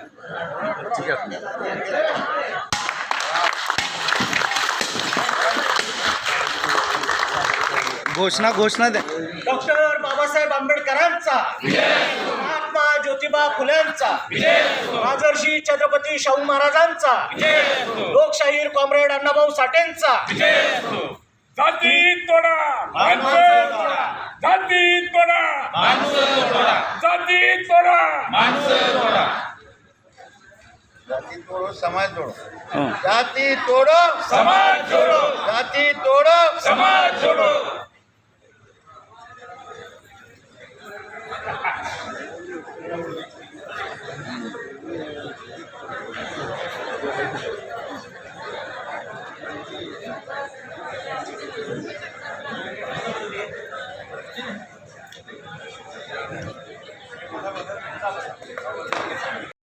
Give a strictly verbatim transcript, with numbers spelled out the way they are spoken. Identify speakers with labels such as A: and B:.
A: घोषणा घोषणा द्या.
B: डॉक्टर बाबासाहेब आंबेडकरांचा, महात्मा ज्योतिबा फुल्यांचा, राजर्षी छत्रपती शाहू महाराजांचा, लोकशाहीर कॉम्रेड अण्णाभाऊ साठेंचा.
C: जाती तोडा माणसं तोडा, जाती तोडा माणसं तोडा, जाती तोडा माणसं तोडा,
D: जाती तोडो समाज जोडो,
A: हं.
D: जाती तोडो
C: समाज जोडो,
D: जाती तोडो
C: समाज जोडो.